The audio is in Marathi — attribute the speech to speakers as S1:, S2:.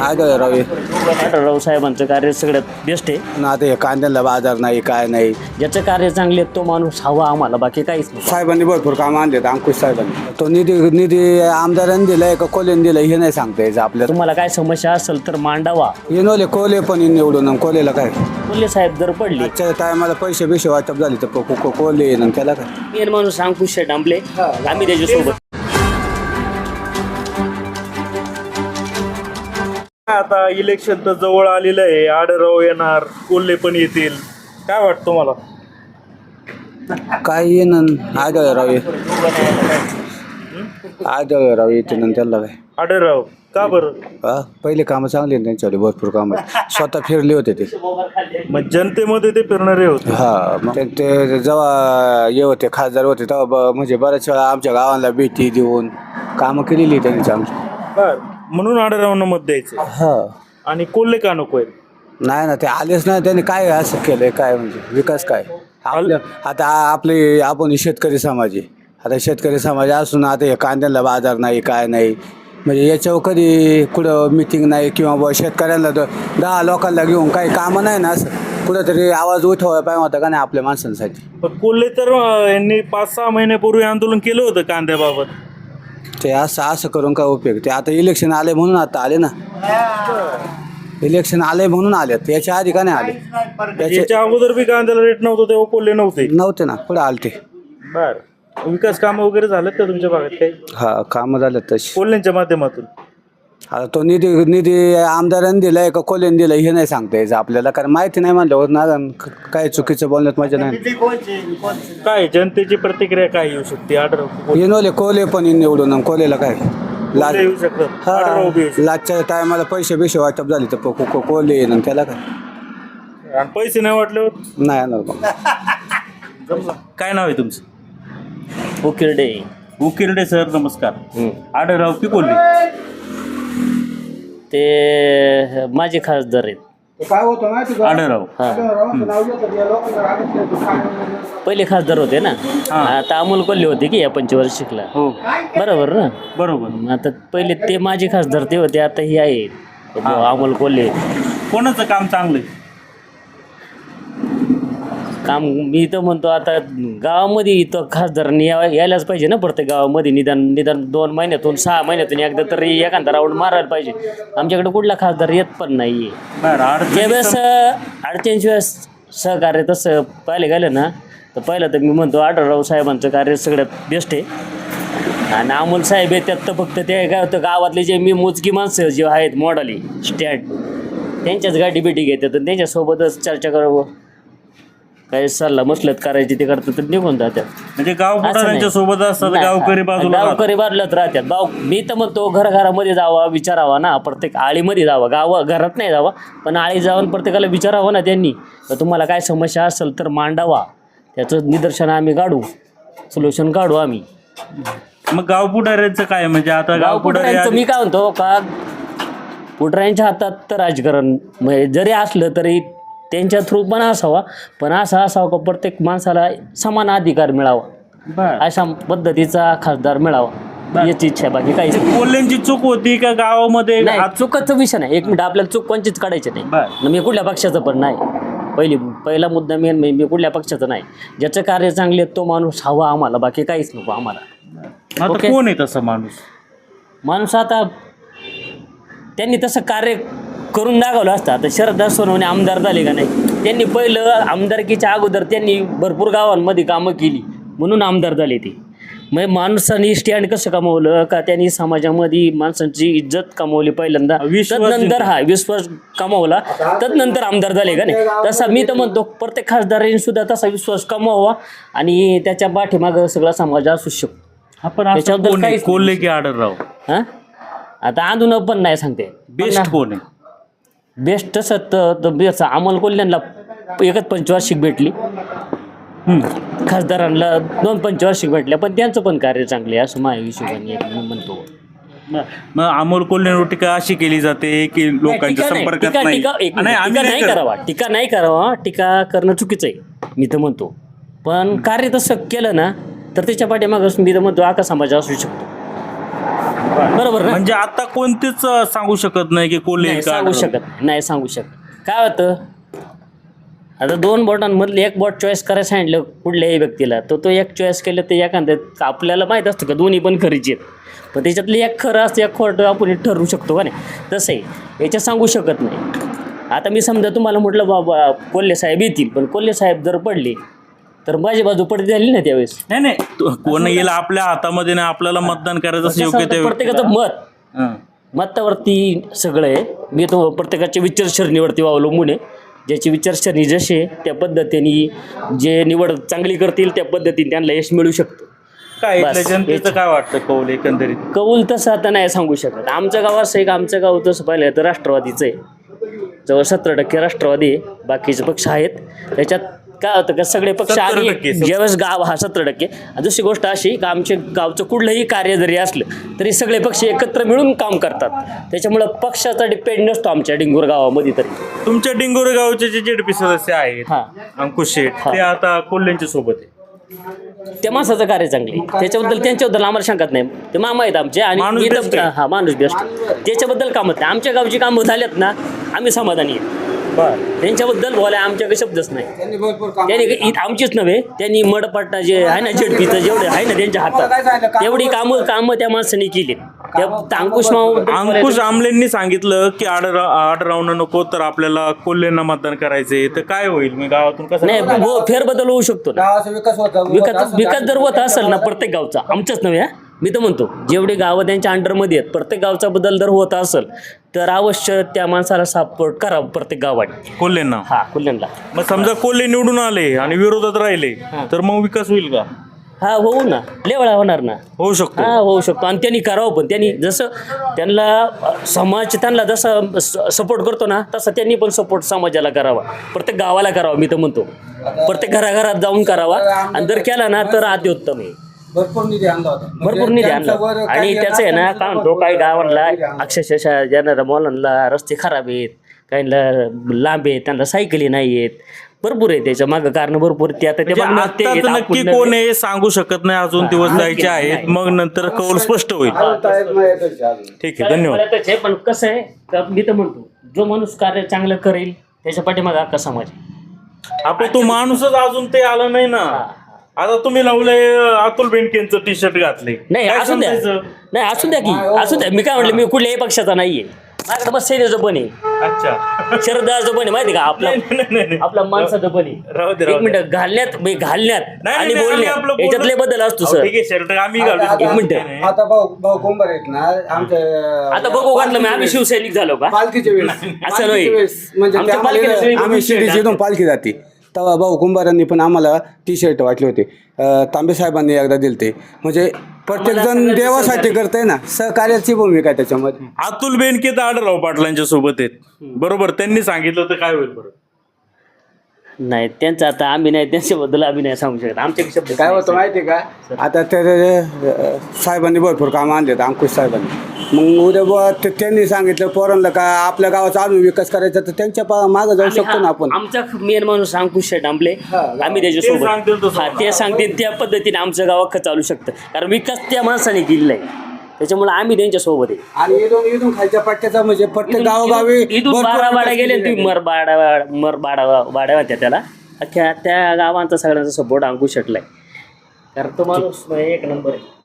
S1: आढळराव
S2: आढळराव साहेबांचं कार्य सगळ्यात बेस्ट आहे
S1: ना. आता हे कांद्याला बाजार नाही काय नाही.
S2: ज्याचं कार्य चांगले तो माणूस हवा आम्हाला, बाकी काहीच नाही.
S1: साहेबांनी भरपूर कामं आणलेत अंकुश साहेबांनी. तो निधी आमदारांनी दिलाय का कोलेने दिलाय हे नाही सांगता यायचं आपल्याला.
S2: तुम्हाला काय समस्या असेल तर मांडावा.
S1: येनोले कोले पण निवडून आणि कोलेला काय
S2: कोल्हे साहेब जर पडले
S1: आजच्या टायमाला पैसे बिशे वाटप झाले तर कोले येईन आणि त्याला काय.
S2: मेन माणूस अंकुश डांबले, आम्ही त्याच्यासोबत.
S3: आता इलेक्शन तर जवळ आलेलं आहे. आढळराव येणार, कोल्हे पण येतील. काय वाटतं तुम्हाला?
S1: काय येईन आढळराव येते ना त्याला काय.
S3: आढळराव का बरं?
S1: पहिले कामं चांगली आहेत त्यांच्याकडे, भरपूर कामं स्वतः फिरले होते ते.
S3: मग जनतेमध्ये ते फिरणारे होते.
S1: हा मग ते जेव्हा हे होते खासदार होते तेव्हा म्हणजे बऱ्याच वेळा आमच्या गावाला भेटी देऊन कामं केलेली त्यांची आमची.
S3: बर, म्हणून आढळरावांना मत द्यायचं.
S1: हा
S3: आणि कोल्हे का नको आहेत?
S1: नाही ना, ते आलेच नाही. त्यांनी काय असं केलंय काय म्हणजे विकास काय आपल्या. आता आपले आपण शेतकरी समाज आहे. आता शेतकरी समाज असून आता हे कांद्याला बाजार नाही काय नाही, म्हणजे याच्यावर कधी कुठं मिटिंग नाही किंवा बुवा शेतकऱ्यांना 10 लोकांना घेऊन काही कामं नाही ना, असं कुठंतरी आवाज उठवायला पाहिजे होता का नाही आपल्या माणसांसाठी.
S3: पण कोल्हे तर यांनी 5-6 महिन्यापूर्वी आंदोलन केलं होतं कांद्याबाबत.
S1: ते असं करून काय उपयोग. ते आता इलेक्शन आले म्हणून आता आले ना. इलेक्शन आले म्हणून आलेत, याच्या आधी का नाही आले.
S3: याच्या अगोदर बी कांद्याला रेट नव्हतं तेव्हा कोल्हे
S1: नव्हते ना, पुढे आले ते.
S3: बर, विकास कामं वगैरे झालेत का तुमच्या भागात काही?
S1: हा कामं झालेत तशी
S3: कोल्ह्यांच्या माध्यमातून.
S1: आता तो निधी आमदारांनी दिलाय का कोल्हेने दिलाय हे नाही सांगता यायचं आपल्याला, कारण माहिती नाही म्हणल्यावर ना काय चुकीचं बोलण्यात मजा नाही.
S3: काय जनतेची प्रतिक्रिया काय येऊ शकते? आढळराव
S1: येनोले कोले पण निवडून आणि कोलेला काय
S3: येऊ शकतात. आढळराव बी येऊ शकतात.
S1: लाचच्या टायमाला पैसे बिशे वाटप झाले तर कोले येईन आणि त्याला काय.
S3: आणि पैसे नाही वाटल्यावर
S1: नाही येणार बघ.
S3: काय नाव आहे तुमचं?
S2: उकिरडे.
S3: उकिरडे सर, नमस्कार. आढळराव की कोल्हे?
S2: ते माझे खासदार आहेत.
S1: काय होतं माहिती
S3: आढळराव.
S2: पहिले खासदार होते ना, आता अमोल कोल्हे होते की या पंचवार्षिकला.
S3: हो,
S2: बरोबर ना.
S3: बरोबर.
S2: आता पहिले ते माझे खासदार ते होते, आता हे आहे अमोल कोल्हे.
S3: कोणाचं काम चांगलं आहे?
S2: काम मी तर म्हणतो आता गावामध्ये इथं खासदारांनी यायलाच पाहिजे ना. प्रत्येक गावामध्ये निदान 2 महिन्यातून 6 महिन्यातून एकदा तरी एखादा राऊंड मारायला पाहिजे. आमच्याकडे कुठला खासदार येत पण नाही आहे. ज्यावेळेस 48 वेळेस सहकार्य तसं पाहिलं गेलं ना, तर पहिलं तर मी म्हणतो आढळराव साहेबांचं कार्य सगळ्यात बेस्ट आहे. आणि अमोल साहेब आहे त्यात तर फक्त ते काय होतं, गावातले जे मी मोजकी माणसं जे आहेत मॉडली स्टँड त्यांच्याच गाठी भेटी घेतात आणि त्यांच्यासोबतच चर्चा करावं, काही सल्ला मसलत करायची ते करतात तर निघून जातात.
S3: म्हणजे गाव पुढाऱ्यांच्या सोबत असतात, गावकरी
S2: बाजूलाच राहतात. मी तर म्हणतो घराघरामध्ये जावा, विचारावा ना. प्रत्येक आळीमध्ये जावा, घरात नाही जावा, पण आळी जाऊन प्रत्येकाला विचारावं ना त्यांनी. तर तुम्हाला काय समस्या असेल तर मांडावा, त्याचं निदर्शन आम्ही काढू, सोल्युशन काढू आम्ही.
S3: मग गाव पुढाऱ्यांचं काय? म्हणजे आता
S2: गाव पुढाऱ्यांचं मी काय म्हणतो का, पुढाऱ्यांच्या हातात तर राजकारण म्हणजे जरी असलं तरी त्यांच्या थ्रू पण असावा, पण असं असावं का प्रत्येक माणसाला समान अधिकार मिळावा, अशा पद्धतीचा खासदार मिळावा याची इच्छा आहे. बाकी काहीच नाही.
S3: कोल्ह्यांची चूक होती का गावामध्ये?
S2: चुकाचा विषय नाही. 1 मिनिट, आपल्याला चूक कोणचीच काढायची नाही. मी कुठल्या पक्षाचं पण नाही. पहिला मुद्दा मेन मी कुठल्या पक्षाचं नाही. ज्याचं कार्य चांगले तो माणूस हवा आम्हाला, बाकी काहीच नको आम्हाला.
S3: आता कोण आहे तसा
S2: माणूस? आता त्यांनी तसं कार्य करून दाखवलं असतं. आता शरद सोनवणे आमदार झाले का नाही, त्यांनी पहिलं आमदारकीच्या अगोदर त्यांनी भरपूर गावांमध्ये कामं केली म्हणून आमदार झाले ते. मग माणसांनी स्टँड कसं कमवलं का, त्यांनी समाजामध्ये माणसांची इज्जत कमवली पहिल्यांदा, तदनंतर विश्वास कमवला, तदनंतर आमदार झाले का नाही. तसा मी तर म्हणतो प्रत्येक खासदारांनी सुद्धा तसा विश्वास कमवावा आणि त्याच्या पाठीमागं सगळा समाज असू शकतो.
S3: त्याच्याबद्दल काही कोल्हे की आढळराव?
S2: आता आंदोलन पण नाही सांगते
S3: बेस्ट कोण आहे.
S2: बेस्ट तसं तर बेस्ट अमोल कोल्ह्यांना एकच पंचवार्षिक भेटली, खासदारांना 2 पंचवार्षिक भेटल्या, पण त्यांचं पण कार्य चांगले आहे असं माझ्या हिशोबाने मी म्हणतो.
S3: मग अमोल कोल्हेंवर टीका अशी केली जाते की लोकांच्या संपर्कात नाही.
S2: टीका नाही करावा, टीका करणं चुकीचं आहे मी तर म्हणतो. पण कार्य तसं केलं ना तर त्याच्या पाठीमागं मी तर म्हणतो आका समाज असू शकतो. बरोबर ना?
S3: म्हणजे आता कोणतेच सांगू शकत नाही की कोल्हे
S2: नाही
S3: का
S2: सांगू
S3: आढळराव.
S2: शकत नाही सांगू शकत. काय होतं, आता 2 बोटांमधले एक बोट चॉईस करायला सांगितलं कुठल्याही व्यक्तीला, तो एक चॉईस केलं ते एखाद्या आपल्याला माहीत असतं का दोन्ही पण खरीचे आहेत, पण त्याच्यातलं एक खरं असतं एक खोटं आपण ठरवू शकतो का नाही. तसं आहे, याच्यात सांगू शकत नाही. आता मी समजा तुम्हाला म्हटलं बाबा कोल्हे साहेब येतील, पण कोल्हे साहेब जर पडले तर माझी बाजू पडती झाली ना त्यावेळेस.
S3: नाही कोण येईल आपल्या हातामध्ये नाही, आपल्याला मतदान करायचं असं योग्य ते
S2: प्रत्येकाचं मतावरती सगळं आहे. मी तो प्रत्येकाच्या विचारसरणीवरती अवलंबून आहे. ज्याची विचारसरणी जशी आहे त्या पद्धतीने जे निवड चांगली करतील त्या पद्धतीने त्यांना यश मिळू शकतं.
S3: काय
S2: बस,
S3: इथल्या जनतेचं काय वाटतं कौल एकंदरीत?
S2: कौल तसं आता नाही सांगू शकत. आमचं गाव असं आहे की आमचं गाव तसं पाहिलं तर राष्ट्रवादीचं आहे. जवळ 17% राष्ट्रवादी आहे, बाकीचे पक्ष आहेत. त्याच्यात काय होतं का सगळे पक्ष
S3: 17%
S2: आणि ज्यावेळेस गाव 17%. आणि दुसरी गोष्ट अशी का आमच्या गावचं कुठलंही कार्य जरी असलं तरी सगळे पक्ष एकत्र मिळून काम करतात. त्याच्यामुळं पक्षाचा डिपेंड नसतो आमच्या डिंगूर गावामध्ये तरी.
S3: तुमच्या डिंगोरे गावचे जे जेडपी सदस्य आहेत
S2: हां,
S3: अंकुश शेठ, ते आता कोल्हेंच्या सोबत आहे.
S2: त्या माणसाचं कार्य चांगले, त्यांच्याबद्दल आम्हाला शंकाच नाही. ते मामा आहेत आमचे आणि
S3: माणूस
S2: मी
S3: best आहे.
S2: हा माणूस बेस्ट. त्याच्याबद्दल कामत नाही. आमच्या गावची कामं झाल्यात ना आम्ही समाधानी आहे. त्यांच्याबद्दल बोलाय आमच्याकडे शब्दच नाही. त्यांनी आमचीच नव्हे, त्यांनी मडपट्टा जे आहे ना जेडपीचं जेवढे आहे ना त्यांच्या हातात तेवढी कामं त्या माणसाने केली.
S3: अंकुश आमलेंनी सांगितलं की आढळरावनं नको तर आपल्याला कोल्हेंना मतदान करायचंय, तर काय होईल? मी गावातून कसं
S2: नाही फेरबदल होऊ शकतो ना.
S1: गावाचा
S2: विकास जर होत असेल ना प्रत्येक गावचा, आमचंच नव्हे हा, मी तर म्हणतो जेवढे गावं त्यांच्या अंडरमध्ये आहेत प्रत्येक गावचा बदल जर होत असेल तर अवश्य त्या माणसाला सपोर्ट करावं प्रत्येक गावाने.
S3: कोल्हेंना?
S2: हा कोल्ह्यांना.
S3: मग समजा कोल्हे निवडून आले आणि विरोधात राहिले तर मग विकास होईल का?
S2: हा होऊ ना, लेवळा होणार ना.
S3: होऊ शकतो.
S2: हा होऊ शकतो. आणि त्यांनी करावं, पण त्यांनी जसं त्यांना समाज त्यांना जसं सपोर्ट करतो ना तसं त्यांनी पण सपोर्ट समाजाला करावा, प्रत्येक गावाला करावा. मी तर म्हणतो प्रत्येक घराघरात जाऊन करावा. आणि जर केला ना तर अतिउत्तम आहे.
S1: भरपूर निधी आणला होता.
S2: भरपूर निधी आणला. आणि त्याचं आहे ना काय म्हणतो, काही गावांना अक्षरशः ज्यांना मुलांना रस्ते खराब आहेत, काहींना लांब आहेत, त्यांना सायकली नाही आहेत, भरपूर आहे. त्याच्या मागं कारण भरपूर. ते आता ते
S3: आताच नक्की कोण आहे सांगू शकत नाही, अजून दिवस जायचे आहेत, मग नंतर कौल स्पष्ट होईल. ठीक आहे, धन्यवाद.
S2: पण कसं आहे का मी तर म्हणतो जो माणूस कार्य चांगलं करेल त्याच्या पाठीमागे अख्खा समाज आहे.
S3: आपण तो माणूसच अजून ते आला नाही ना. आता तुम्ही लावलंय अतुल बेनकेंचं टी शर्ट घातले.
S2: नाही
S3: काय
S2: असू द्या,
S3: समजायचं?
S2: नाही असू द्या की असू द्या. मी काय म्हटलं, मी कुठल्याही पक्षाचा नाहीये. माझ्याकडे बस सेनेचं पण आहे,
S3: अच्छा.
S2: शरदाचं पण आहे, माहिती का
S3: नाही.
S2: आपला माणसाचं पण
S3: राहू
S2: आहे.
S3: दे.
S2: एक मिनिट, घालण्यात
S3: नाही,
S2: आणि
S3: आम्ही
S2: बोलण्यात
S3: आपलं
S2: याच्यातले बदल असतो सर.
S3: ठीक आहे, शर्ट आम्ही घालू.
S2: एक मिनिट.
S1: आता भाऊ कुंभार आहेत ना आमच्या
S2: आता बघू वाटलं मी आम्ही शिवसैनिक झालो का?
S1: पालखीच्या वेळेस
S2: असं
S1: पालखीच्या
S2: नाही.
S1: वेळेस म्हणजे
S2: आमच्या
S1: ते
S2: पालखीला
S1: आम्हाला-
S2: सगळी
S1: आम्ही
S2: बघून
S1: शिर्डीची इथून पालखी जाते तेव्हा भाऊ कुंभारांनी पण आम्हाला टी शर्ट वाटले होते. तांबे साहेबांनी एकदा दिलते. म्हणजे प्रत्येक जण देवासाठी करतंय ना, सहकार्याची भूमिका आहे त्याच्यामध्ये.
S3: अतुल बेनके तर आढळराव पाटलांच्या सोबत आहेत, बरोबर? त्यांनी सांगितलं तर काय होईल बरं?
S2: नाही त्यांचं आता आम्ही नाही, त्यांच्याबद्दल आम्ही नाही सांगू शकत. आमच्या शब्द
S1: काय होतं माहिती आहे का, आता ते साहेबांनी भरपूर कामं आणलेत अंकुश साहेबांनी. मग उद्या बुवा त्यांनी सांगितलं पोरांना का आपल्या गावाचा अजून विकास करायचा तर त्यांच्या मागं जाऊ शकतो ना आपण.
S2: आमचा मेन माणूस अंकुश शेट आंबले, आम्ही
S3: ते सांगतील
S2: त्याच्यासोबत
S3: तसं.
S2: हा ते सांगतील त्या पद्धतीने आमचं गाव अख्खं चालू शकतं. कारण विकास त्या माणसाने केलेला आहे, त्याच्यामुळे आम्ही त्यांच्यासोबत आहे.
S1: आणि इथून खालच्या पट्ट्याचा म्हणजे प्रत्येक गावोगावी
S2: इथून
S1: भरपूर
S2: बारा
S1: विकास
S2: गेले
S1: केलेला
S2: तुम्ही
S1: आहे.
S2: वाड्या होत्या त्याला. अख्ख्या त्या गावांचा सगळ्यांचा सपोर्ट अंकुश शेटला आहे. कारण तो माणूस एक नंबर आहे.